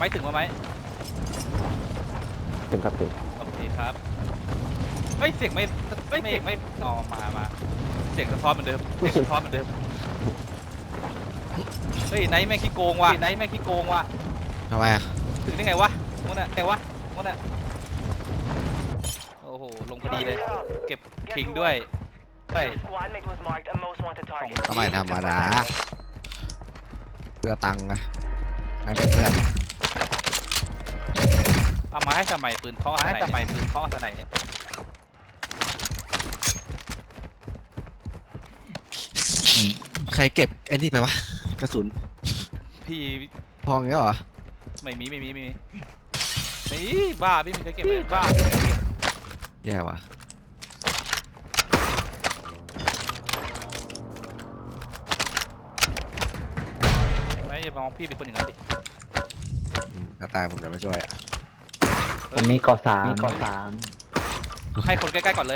ไม่ถึงมาไหมถึงครับถึงโอเคครับเฮ้ยเสียงไม่ออกมาเสียงสะท้อนเหมือนเดิมเสียงสะท้อนเหมือนเดิมเฮ้ยไนท์แม่งขี้โกงว่ะไนท์แม่งขี้โกงว่ะทำไมอ่ะถึงได้ไงวะมันอะโอ้โหลงพอดีเลยเก็บคิงด้วยไปทำไมธรรมดาเพื่อตังค์นะให้เพื่อนเอามาให้ทำไมปืนเคาะให้ทำไมปืนเคาะสไนเนี่ยใครเก็บไอ้นี่ไปวะกระสุนพี่พองเงี้ยเหรอไม่มีบ้าพี่มีใครเก็บเลยบ้าพี่มีใครเก็บแย่ว่ะไม่อย่ามองพี่เป็นคนอย่างนั้นดิถ้าตายผมจะไม่ช่วยอ่ะผมมีก่อสามให้คนใกล้ๆก่อนเลย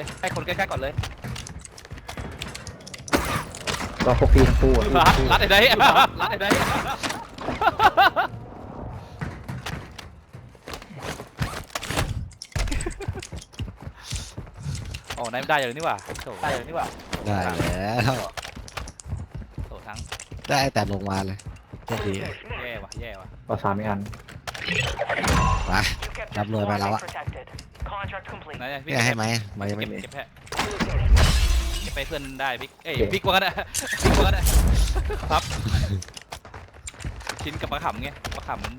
ก็พวกพี่ทั้งคู่รัดไอ้ได้โอ้นายไม่ได้อย่างนี้ว่ะได้อย่างนี้ว่ะได้แล้วโถทั้งได้แต่ลงมาเลยโชคดีแย่ว่ะก่อสามอีกอันมารับรวยไปแล้วอะพี่ให้ไหมไม่เก็บไปเพื่อนได้บิ๊กบิ๊กว่ากันนะครับชิ้นกับปลาขำไงปลาขำมัน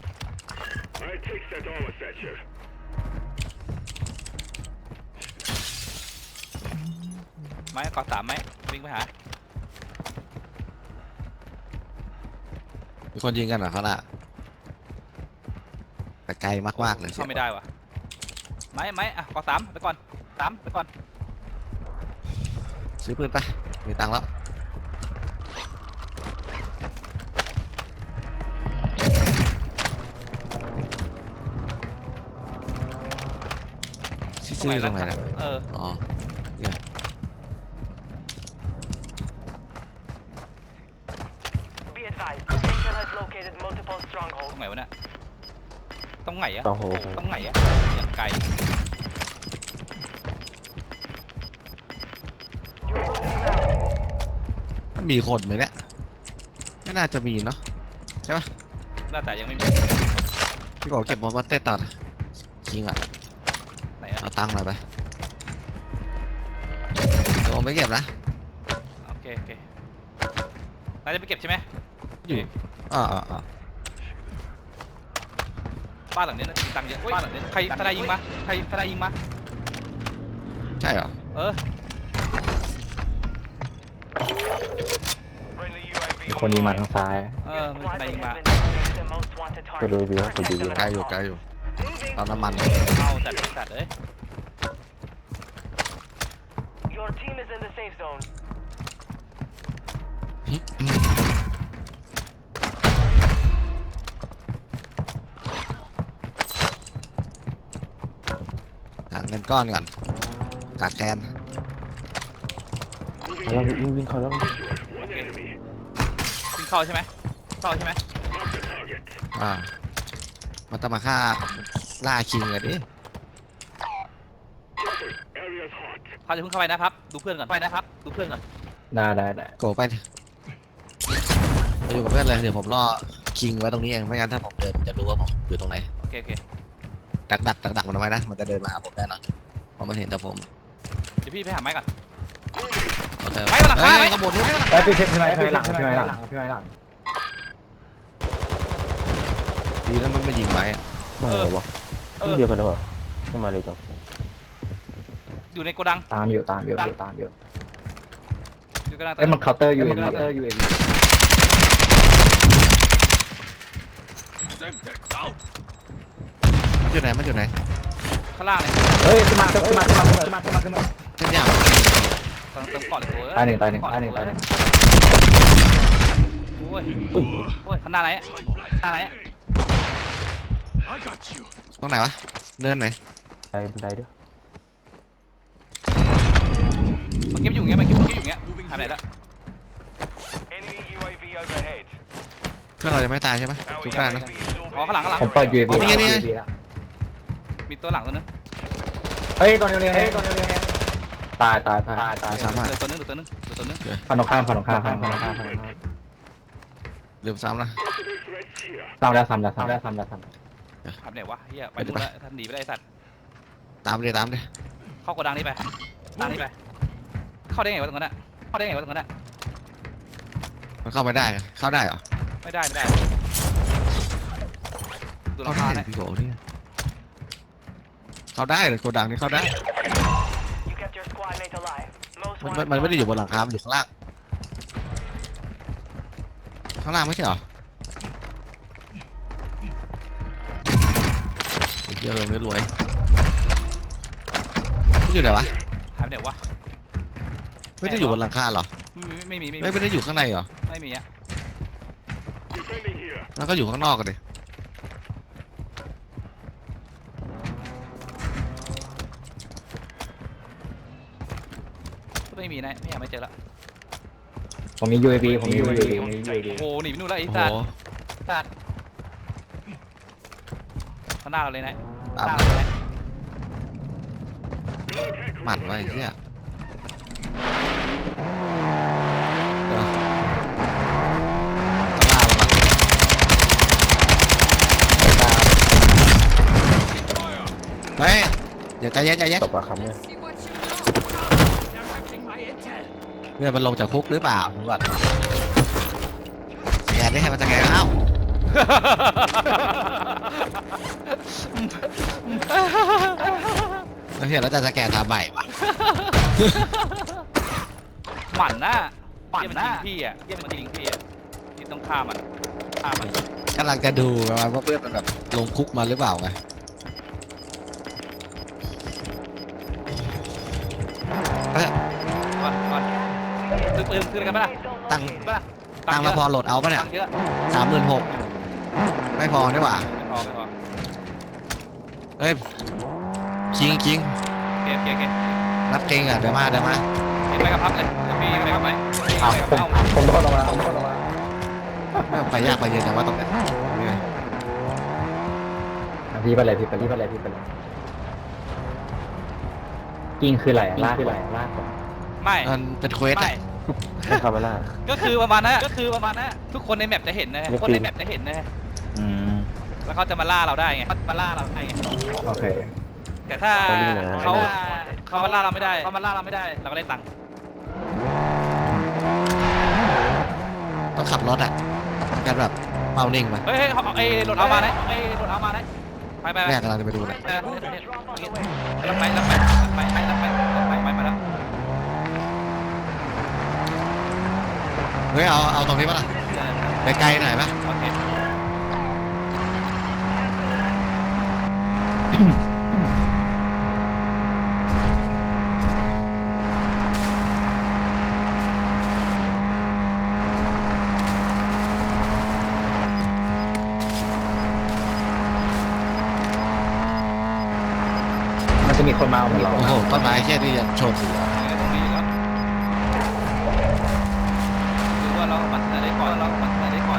ไม้กอด3ไหมวิ่งไปหามีคนยิงกันเหรอเขาล่ะแต่ไกลมากๆเลยเข้าไม่ได้วะไม้อ่ะกอด3ไปก่อนซื้อปืนไปมีตังค์แล้วซื้อตรงไหนนะอ๋อเนี่ยตรงไหนวะเนี่ยตรงไหนอะอย่างไกลมีคนไหมเนี่ยไม่น่าจะมีเนาะใช่ปะน่าแต่ยังไม่มีพี่บอกเก็บมอสเต้ตัดจริงอ่ะไหนเอาตังค์หน่อยไปเดี๋ยวผมไปเก็บนะโอเคนายจะไปเก็บใช่ไหมอยู่บ้านหลังนี้นะตังค์เยอะบ้านหลังนี้ใครทนายยิงมาใช่เหรอคนยิงมาทางซ้ายมันทนายยิงมาก็ดูวิวไกลอยู่ตอนน้ำมันเอาจัดเลยหาเงินก้อนก่อนขาดแคลนเราวิ่งเข้าแล้ววิ่งเข้าใช่ไหมมันต้องมาฆ่าล่าคิงเลยดิเขาจะเพิ่งเข้าไปนะครับดูเพื่อนก่อนได้โกไปอยู่กับเพื่อนเลยเดี๋ยวผมรอคิงไว้ตรงนี้เองไม่งั้นถ้าผมเดินจะรู้ว่าผมอยู่ตรงไหนโอเคดักมันเอาไว้นะมันจะเดินมาหาผมแน่นอนเพราะมันเห็นแต่ผมเดี๋ยวพี่ไปหาไม้ก่อนไม้หลังกระโดดไปพี่ไม้หลังดีแล้วมันไม่ยิงไม้ไม่เหรอวะเดียวกันหรือเปล่าขึ้นมาเลยจ้ะอยู่ในโกดังตามอยู่อยู่กระดังมันเคาน์เตอร์อยู่เองมันอยู่ไหนข้างล่างเลยเฮ้ยขึ้นมาเช่นอย่างเติมก่อนเลยตายหนึ่งโอ้ยข้างหน้าไหนตรงไหนวะเนินไหนบันไดด้วยมันเก็บอยู่เงี้ยทำไหนละเพื่อนเราจะไม่ตายใช่ไหมทุกท่านนะอ๋อข้างหลังผมเปิด UAV นี่ไงแล้วมีตัวหลังตัวนึงเฮ้ยตัวนี้ตายสามารถเหลือตัวนึงฝั่งตรงข้ามลืมซ้ำนะซ้ำแล้วทำไหนวะเฮียไปดูแล้วท่านหนีไปได้สัตว์ตามเลยเข้าโกดังนี้ไปเข้าได้ไงวะตรงนั้นอะมันเข้าไม่ได้เข้าได้เหรอไม่ได้ดูราเข้าคาได้เนี่ยพี่โกนี่เข้าได้เลยโกดังนี่เข้าได้มันไม่ได้อยู่บนหลังคามันอยู่ข้างล่างไม่ใช่เหรอเยอะเลยรวยอยู่ไหนวะหายไปไหนวะไม่ได้อยู่บนหลังคาเหรอไม่มีไม่ได้อยู่ข้างในเหรอไม่มีอะแล้วก็อยู่ข้างนอกกันดิไม่มีนะไม่เจอละผมมี UAV โอ้โหหนีไปนู่นแล้วไอ้โอ้โหสัตว์ข้างหน้าเราเลยนะตามหมั่นไว้เชี่ยเฮ้ยเดี๋ยวใจเย็นตบอะครับเนี่ยเนี่ยมันลงจากคุกหรือเปล่าผมก่อนสแกนได้ให้มันสแกนเอ้าแล้วเห็นแล้วจะสแกนทำใหม่วะหมั่นหน้ามันยิงพี่อะที่ต้องฆ่ามันกำลังจะดูว่าเพื่อนมันแบบลงคุกมาหรือเปล่าไงก่อนซื้อปืนคืนกันไหมล่ะตั้งมาพอโหลดเอาปะเนี่ยเยอะ 36,000ไม่พอได้หว่าไม่พอเฮ้ยคิงเก็บนับเก่งอ่ะเดี๋ยวมาไปกับพับเลยเดี๋ยวพี่ไปกับไหมผมโดนลงมาไปยากไปเย็นแต่ว่าต้องเป็นพี่ไปเลยกิ้งคืออะไรลากไม่มันเป็นเควสอ่ะไม่คาเมล่าก็คือประมาณนั้นทุกคนในแมปจะเห็นนะอืมแล้วเขาจะมาล่าเราได้ไงโอเคแต่ถ้าเขามาล่าเราไม่ได้เราก็ได้ตังค์ต้องขับรถอ่ะกันแบบเมานิ่งมาเฮ้ยไอ้รถเอามาไหนไปแม่กำลังจะไปดูเลยรับไปมาแล้วเฮ้ยเอาตรงนี้ป่ะล่ะไปไกลหน่อยป่ะโอเคมันจะมีคนมาเอาเราโอ้โหต้นไม้แค่นี้ยังชนอยู่ตรงนี้แล้วดูว่าเราปัดได้ก่อน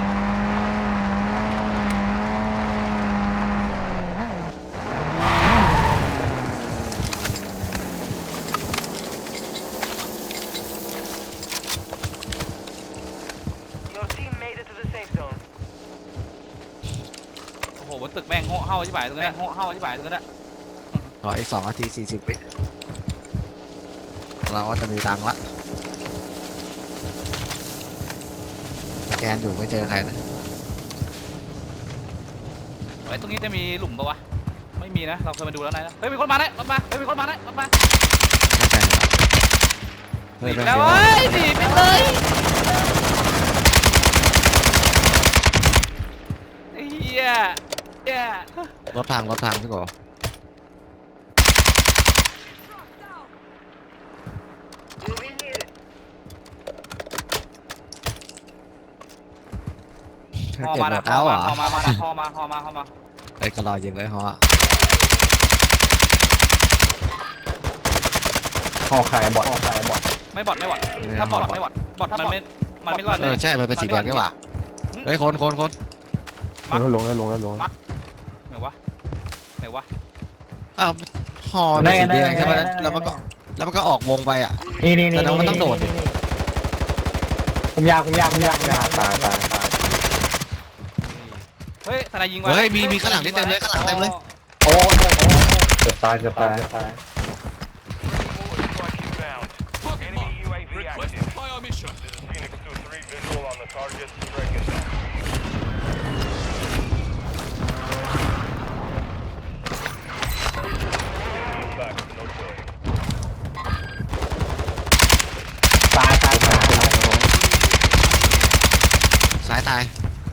โอ้โหบนตึกแม่งเห่าที่บ่ายตรงนั้นขออีก2 นาที 40 วิเราก็จะมีตังค์ละสแกนอยู่ไม่เจอใครนะไอ้ตรงนี้จะมีหลุมปะวะไม่มีนะเราเคยมาดูแล้วนะเฮ้ยมีคนมาแล้วรถมาไม่ใช่เฮ้ยแล้วเฮ้ยหนีไปเลยเฮียรถพังพี่โกฮอมานะเอาเหรอฮอมาไอ้ก็รอยิงเลยฮอห่อขายบอทไม่บอดถ้าบอดไม่บอดมันไม่รอดเลยใช่มันเป็นสีแดงนี่หว่าเฮ้ยคนลงแล้วลงแล้วลงแล้วไหนวะไหนวะอ้าวฮอเป็นสีแดงใช่ไหมแล้วมันก็ออกวงไปอ่ะนี่แต่น้องมันต้องโดดดิผมยาวตายเฮ้ยทนายยิงวะเฮ้ยมีข้างหลังนี่เต็มเลยข้างหลังเต็มเลยโอ้เกือบตาย Enemy UAV active. Fire mission. This is Phoenix 2-3 visual on the target. Track it down. Back, no killing. ตายสายตาย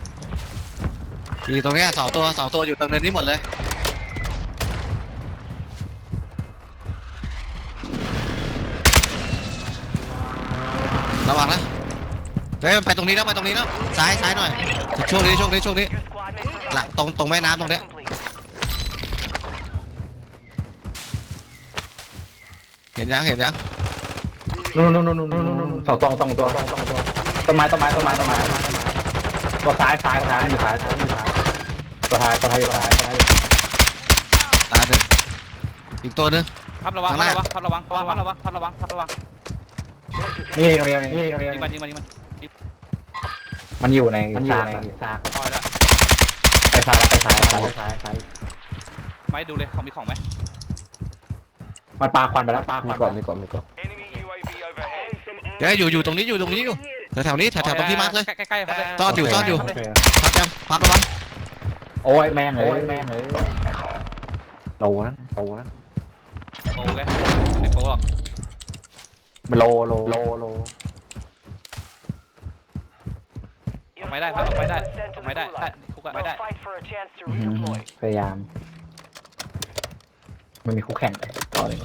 อยู่ตรงเนี้ยสองตัวอยู่ตรงเนินนี้หมดเลยระวังนะเฮ้ยมันไปตรงนี้แล้วซ้ายหน่อยช่วงนี้ Your squad mates หลังตรงแม่น้ำตรงเนี้ย complete. เห็นยังนู่นสองตัวต้นไม้ตัวซ้ายอยู่ซ้ายตัวท้ายอยู่ซ้ายตายหนึ่งอีกตัวนึงพับระวังข้างหน้าพับระวังนี่ตรงนี้ยิงมันมันอยู่ในซากปล่อยแล้วไปซ้ายไม่ดูเลยของมีของไหมมันปาควันไปแล้วมีก่อน Enemy UAV overhead. เดี๋ยวอยู่ตรงนี้อยู่แถวๆนี้แถวๆตรงที่มาร์คเลยใกล้ๆครับซ่อนอยู่โเคพับระวังโอ้ยแม่งเลยโลนะโอ้แกไม่โป๊หรอกมันโลไม่ได้ครับไม่ได้คุกอะไม่ได้ We'll fight for a chance to redeploy. พยายามมันมีคู่แข่งต่อเลย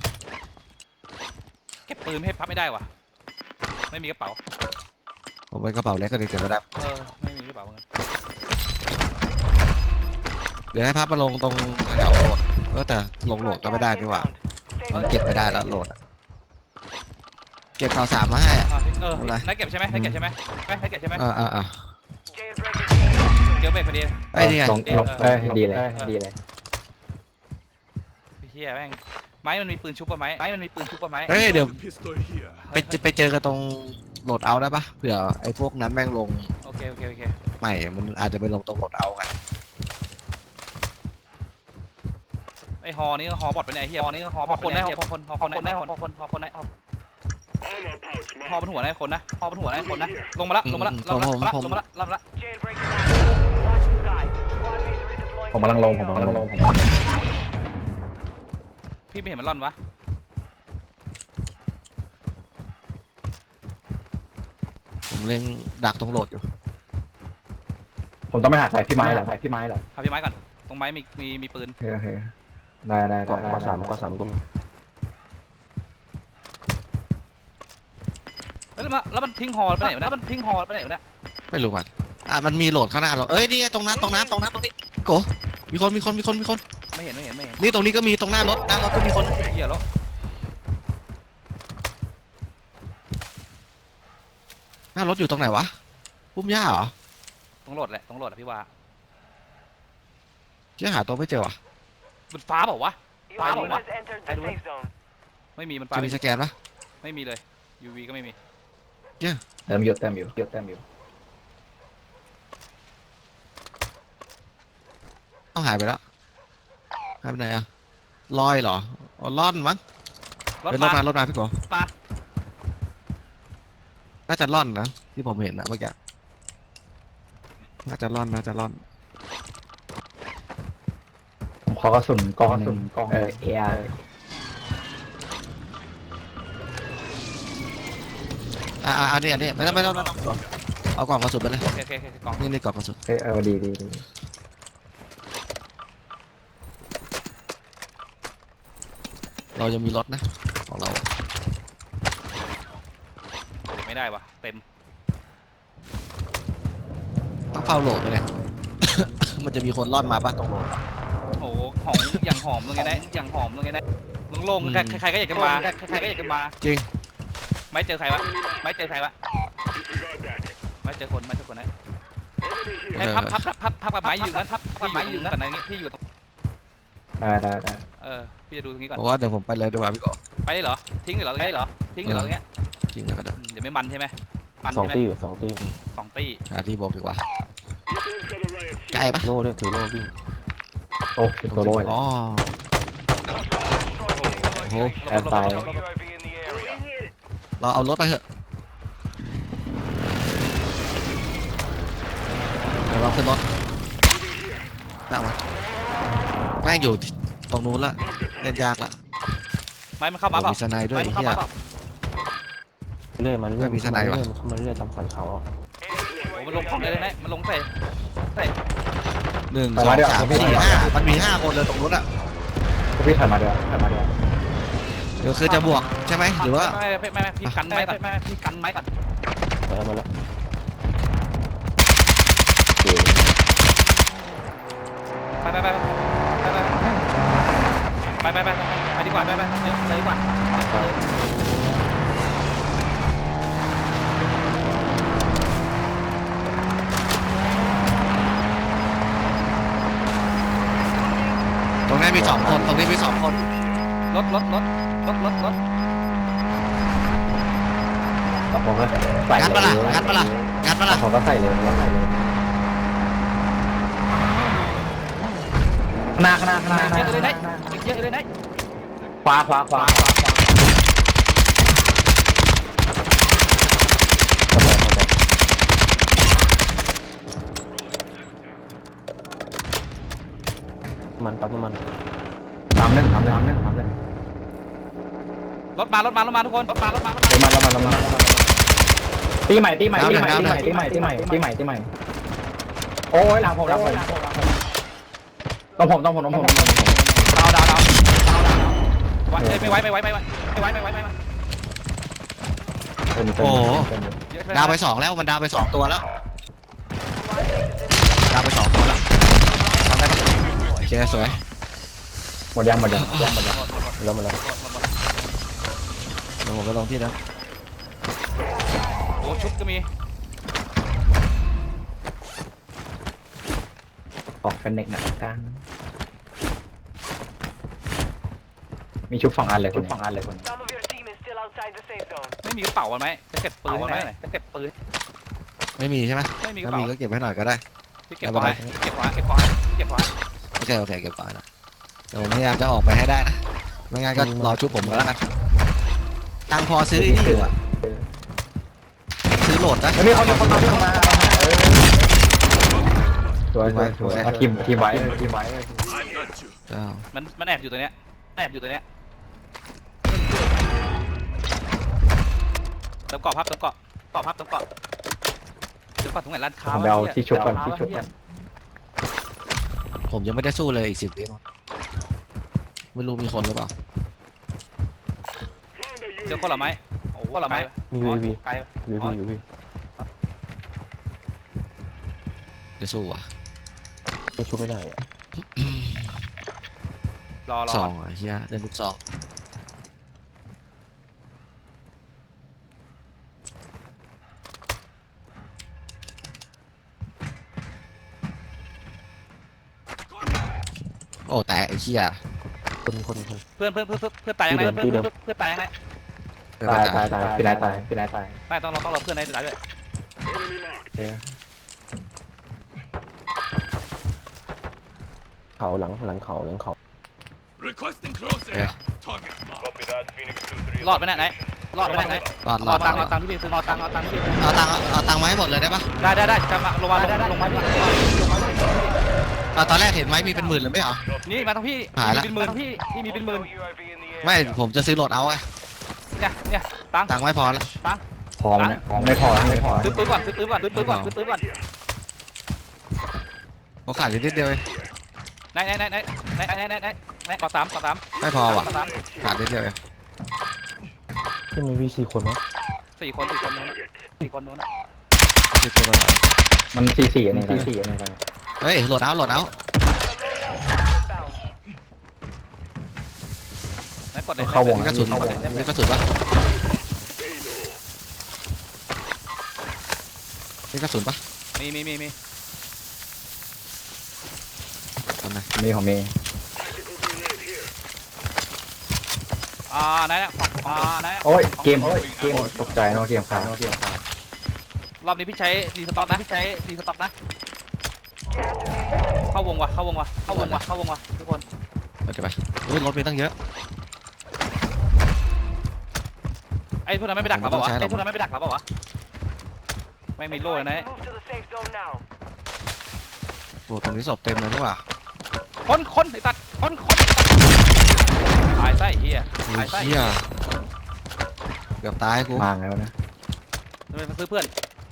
เก็บปืนให้พับไม่ได้ว่ะไม่มีกระเป๋าผมไปกระเป๋าเล็กก็ดีเก็บไว้ได้ไม่มีกระเป๋าเงินเดี๋ยวให้พับมาลงตรงแถวโหลดแต่ลงโหลดก็ไม่ได้ดีกว่ามันเก็บไม่ได้แล้วโหลดเก็บข่าวสารมาให้นักเก็บใช่ไหมนักเก็บใช่ไหมอ่า Jailbreak is เจอเบรกพอดีไอ้นี่ไงลงดีเลยเฮียแม่งไม้มันมีปืนชุบป่ะไหมเฮ้ยเดี๋ยว Pistol here. ไปเจอกันตรงโหลดเอาได้ปะเผื่อไอ้พวกนั้นแม่งลงโอเคใหม่มันอาจจะไปลงตรงโหลดเอากันไอฮอนี่ฮอบอดไปไหนเฮียฮอนี่ฮอบอดคนได้ฮอคนได้ฮอเป็นหัวได้คนนะลงมาละ jailbreak is on. Watch the sky. Squad mates redeploying. ผมกำลังลงพี่ไม่เห็นมันร่อนวะผมเล่นดักตรงโหลดอยู่ผมต้องไปหาสายพี่ไม้เหรอพาพี่ไม้ก่อนตรงไม้มีปืนโอเคได้ก็สามตรงแล้วมันทิ้งฮอไปไหนวะเนี่ยไม่รู้มันมันมีโหลดข้างหน้าเรานี่ตรงนั้นตรงนี้โกมีคนไม่เห็นนี่ตรงนี้ก็มีตรงหน้ารถก็มีคนเฮียแล้วหน้ารถอยู่ตรงไหนวะพุ่มหญ้าเหรอต้องโหลดแหละพี่ว่าเชื่อหาตัวไม่เจอวะมันฟ้าเปล่าวะ Your team has entered the safe zone. ไม่มีมันฟ้าจะมีสแกนปะไม่มีเลย UV ก็ไม่มีเติมอยู่ต้องหายไปแล้วหายไปไหนอะลอยเหรอล่อนมั้งรถเป็นมารถมาพี่โกปลาน่าจะล่อนนะที่ผมเห็นนะเมื่อกี้น่าจะล่อนผมขอกระสุนกองเออาร์อันนี้ไม่ต้องเอากล่องกระสุนไปเลยโอเคกล่องนี่กล่องกระสุนดีเรายังมีรถนะของเราไม่ได้วะเต็มต้องเฝ้าโหลดไปเลย มันจะมีคนล่อนมาป่ะตรงโหลดโอ้โหของอย่างหอมตรงนี้นะลงใครก็อยากจะมาจริงไม่เจอใครวะไม่เจอคนนะให้พับกับไม้อยู่นั้นพับไม้อยู่นั้นแต่ในนี้พี่อยู่ตรงได้พี่จะดูตรงนี้ก่อนเพราะว่าเดี๋ยวผมไปเลยดีกว่าพี่โกไปเลยเหรอทิ้งเลยเหรอทิ้งเลยเหรอเงี้ยจริงแล้วก็ได้เดี๋ยวไม่มันใช่ไหมมันสองใช่ไหมตีอยู่สองตีสองตี้หาที่บอกดีกว่าใกล้ปะโล่ด้วยถือโล่วิ่งโอ้ติดตัวโรยอ๋อโอ้โหแอบตาย UAV in the area. เราเอารถไปเถอะเดี๋ยวเราขึ้นรถนั่งมาแม่งอยู่ตรงนู้นละเล่นยากละไม้มันเข้ามาเปล่ามีสไนด์ด้วยไม้ไอ้มันเข้าเหี้ยมาเปล่าเรื่อยมันเรื่อยมีสไนด์วะมันเรื่อยตามสันเขาอ่ะโอ้มันลงของเลยนะมันลงใส่ 1 2 3 4 5มันมี5 คนเลยตรงนู้นอ่ะพี่ถัดมาเดี๋ยวเดี๋ยวคือจะบวกใช่ไหมหรือว่าไม่พี่กันไม้ก่อนพี่กันไม้ก่อนมาแล้วไปดีกว่าไปดีกว่าตรงนี้มี2 คนตรงนี้มี2 คนรถผมก็ใส่งัดปะล่ะงัดปะล่ะงัดปะล่ะผมก็ใส่เลยข้างหน้าเยอะเลยนะเยอะเลยนะขวามันปั๊บมันทำเล่นรถมาทุกคนรถมาตีใหม่โอ้ยหลังผมต้องผมดาวไม่ไหวโอ้โหดาวไป2แล้วมันดาวไป2 ตัวแล้วดาวไป2 ตัวแล้วทำได้ปะโอเคสวยหมดยังแล้วเดี๋ยวผมไปลงที่นะโอ้ชุบก็มีออกกันเน็กหนักกลางมีชุบ2 อันเลยคน Some of your team is still outside the safe zone. ไม่มีกระเป๋ากันไหมจะเก็บปืนไหมจะเก็บปืนไม่มีใช่ไหมไม่มีกระถ้าเป๋ามีก็เก็บไว้หน่อยก็ได้ที่เก็บไว้เก็บไว้โอเคเก็บไว้นะเดี๋ยวผมพยายามจะออกไปให้ได้นะไม่งั้นก็รอชุบผมก็แล้วกันตังค์พอซื้อไอ้นี่อยู่อะซื้อโหลดนะแล้วนี่เขามาสวยทีมไว้เจ้ามันแอบอยู่ตัวเนี้ยเติมเกาะพับเดี๋ยวก่อนตรงไหนร้านค้าผมไปเอาที่ชุบก่อนผมยังไม่ได้สู้เลยอีก10 วิไม่รู้มีคนหรือเปล่าเจอคนละไม้โอ้คนละไม้มีวีอยู่พี่จะสู้อ่ะไม่ชุบไม่ได้อ่ะรอ 2อ่ะเฮียเล่นลูก2โอ้แต่ไอ้เหี้ยคนเพื่อนตายยังไงเพื่อนตายยังไงตายพี่นายตายไม่ต้องรอเพื่อนให้ตายด้วยเขาหลังเขา Requesting close air. Target mark. Copy that. Phoenix 2-3. รอดไปไหนรอดตังค์ที่พี่ซื้อรอตังค์ที่พี่เอาตังค์มาให้หมดเลยได้ปะได้จะมาลงมาตอนแรกเห็นไหมมีเป็นหมื่นเลยไม่เหรอนี่มาทั้งพี่หายละเป็นหมื่นพี่มีเป็นหมื่น UAV in the air. ไม่ผมจะซื้อโหลดเอาไงเนี่ยตังค์ตังค์ไม่พอแล้วพอเนี่ยไม่พอซื้อปืนก่อนโอกาสนิดเดียวเองไหนก่อสามไม่พอว่ะขาดนิดเดียวเองที่มีวี4 คนมั้ง 4 คนนู้นซื้อตัวละหน่อยมัน4-4อันนี้ไปเฮ้ยโหลดเอาไหนกดไหนเข้าวงมีกระสุนปะมีกระสุนปะมีนะมีของมีไหนเนี่ยไหนโอ้ยเกมตกใจเนาะเกมค้างรอบนี้พี่ใช้ดีสต็อกนะเข้าวงว่ะทุกคนโอเคไปอุ้ยรถมีตั้งเยอะไอ้พวกนั้นไม่ไปดักเราเปล่าวะไม่มีโล่เลยนะโอ้ตรงนี้ศพเต็มเลยนี่หว่าคนไอ้ตัดคนตายไส้เฮียโอ้ยเหี้ยเกือบตายกูมาแล้วนะจะไปซื้อเพื่อน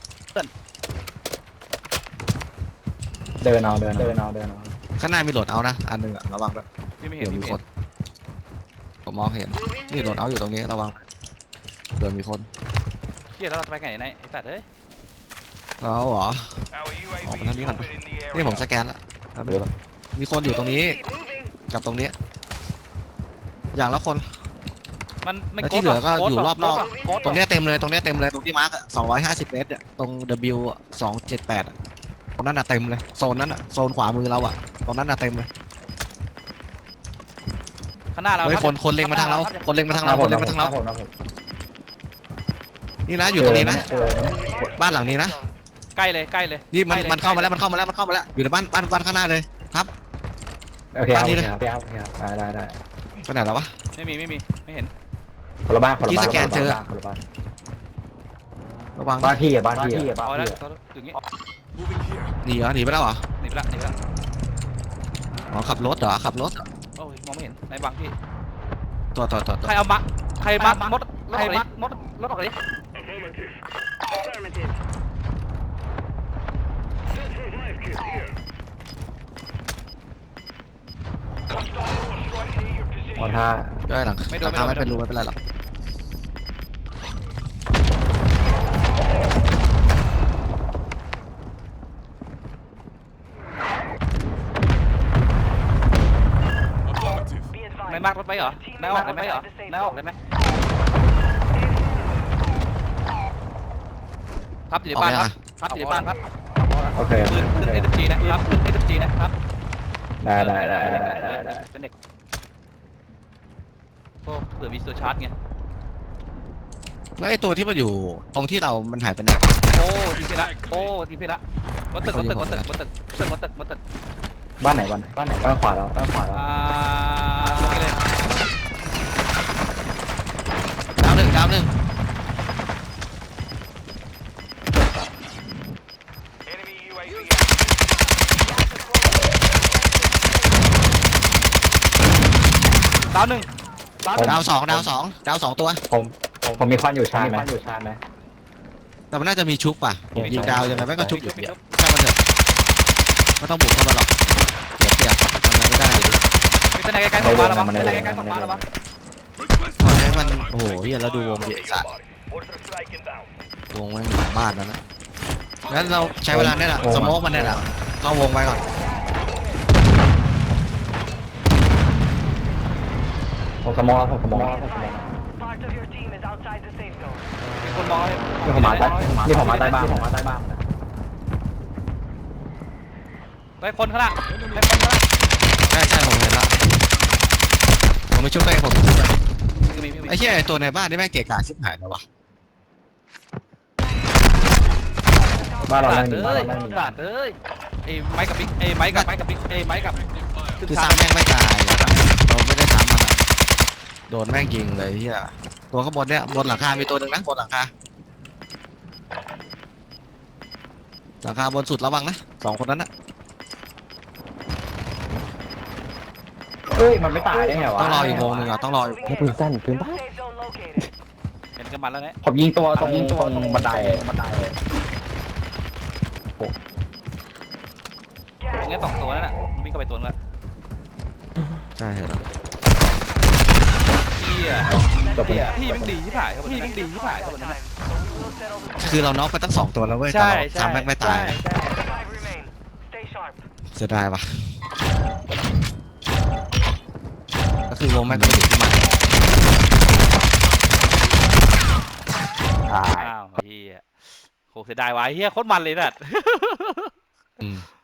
เดินเอาข้างหน้ามีโหลดเอานะอันหนึงอะระวังด้วยพี่ไม่เห็เดี๋นยวมีคนผมมองเห็นนี่โหลดเอาอยู่ตรงนี้ระวังเดี๋ยวมีคนเฮียแล้วเราจะไปไงไหนไอ้ตัดเอ้ยเราเหรอ Our UAV Oh, is ini kan. moving in the area. นี่ผมสแกนแล้วเดี๋ยวมีคนอยู่ตรงนี้กับตรงนี้ อย่างละคนมันไม่แล้วที่เหลือก็อยู่รอบนอกโค้ดตรงเนี้ยเต็มเลยตรงที่มาร์ค250 เมตรเนี่ยตรง W 278อะตรงนั้นอะเต็มเลยโซนนั้นอะโซนขวามือเราอะตรงนั้นอะเต็มเลยข้างหน้าเราเฮ้ยคนเล็งมาทางเราคนเล็งมาทางเราผมนี่นะอยู่ตรงนี้นะบ้านหลังนี้นะใกล้เลยนี่มันเข้ามาแล้วอยู่ในบ้านข้างหน้าเลยครับโอเคได้ไปไหนแล้ววะไม่มีไม่เห็นคนละบ้านระวังบ้านที่อ่ะเอาแล้วอย่างงี้ Moving here. หนีไปแล้วเหรอหนีไปละอ๋อขับรถเหรอขับรถเหรอโอ้ยมองไม่เห็นในบางพี่ตัวใครมามดรถออกเลยมอท่าได้หลังราคาไม่เป็นรูไม่เป็นไรหรอกไม่มากรถไปเหรอไม่ออกได้ไหมครับอยู่ในบ้านครับโอเคปืนSMGนะครับปืนSMGนะครับได้เป็นเด็กโอ้เผื่อมีตัวชาร์จไงแล้วไอ้ตัวที่มันอยู่ตรงที่เรามันหายไปไหนโอ้ทีเพละวัดตึกบ้านไหนบ้านขวาเราตรงนี้เลยดาวหนึ่ง Enemy UAV. ดาวหนึ่งดาวสองตัวผมมีควันอยู่ชาไหมแต่มันน่าจะมีชุบป่ะยิงดาวยังไงแม่งก็ชุบอยู่เดียวช่างมันเถอะไม่ต้องบุกเข้ามาหรอกเสียทำอะไรไม่ได้เลยมีแต่ในไกลๆของฟ้าระวังปล่อยให้มันโอ้โหเฮียแล้วดูวงดิสัตว์ Mortar strike inbound. วงแม่งอยู่หลังบ้านนั่นนะงั้นเราใช้เวลาเนี่ยแหละสโมกมันเนี่ยแหละเข้าวงไปก่อนผมสมอง Part of your team is outside the safe zone. มีคนมองนี่ผมมาใต้บ้านได้คนข้างหน้าใช่ผมเห็นละผมไปชุบไปผมชุบไปไอ้เหี้ยไอ้ตัวในบ้านนี่แม่งเกะกะชิบหายแล้ววะบ้านเราตัดไม่มีเลยไอ้ไม้กับบิ๊กไอ้ไม้กับคือซ้ำแม่งไม่ตายอะเราไม่ได้ซ้ำมันอะโดนแม่งยิงเลยเหี้ยตัวข้างบนเนี่ยบนหลังคามีตัวหนึ่งนะบนหลังคาบนสุดระวังนะสองคนนั้นนะเฮ้ยมันไม่ตายได้ไงวะต้องรออีกวงหนึ่งอ่ะต้องรออีกให้ปืนสั้นปืนบ้า Safe zone located. เห็นกันมันแล้วเนี่ยผมยิงตัวตรงบันไดงั้นสองตัวนั่นแหละวิ่งเข้าไปตัวนึงละใช่เหรอพี่มันดีที่ผ่ายครับพี่มันดีที่ผ่ายครับคือเราน็อกไปตั้ง2ตัวแล้วเว้ยแต่เราซ้ำแม่งไม่ตาย 5 remain. Stay sharp. เสียดายว่ะก็คือวงแม่งก็ไม่ถึงที่มันอ้าวเฮียโหเสียดายวะเฮียโคตรมันเลยน่ะอืม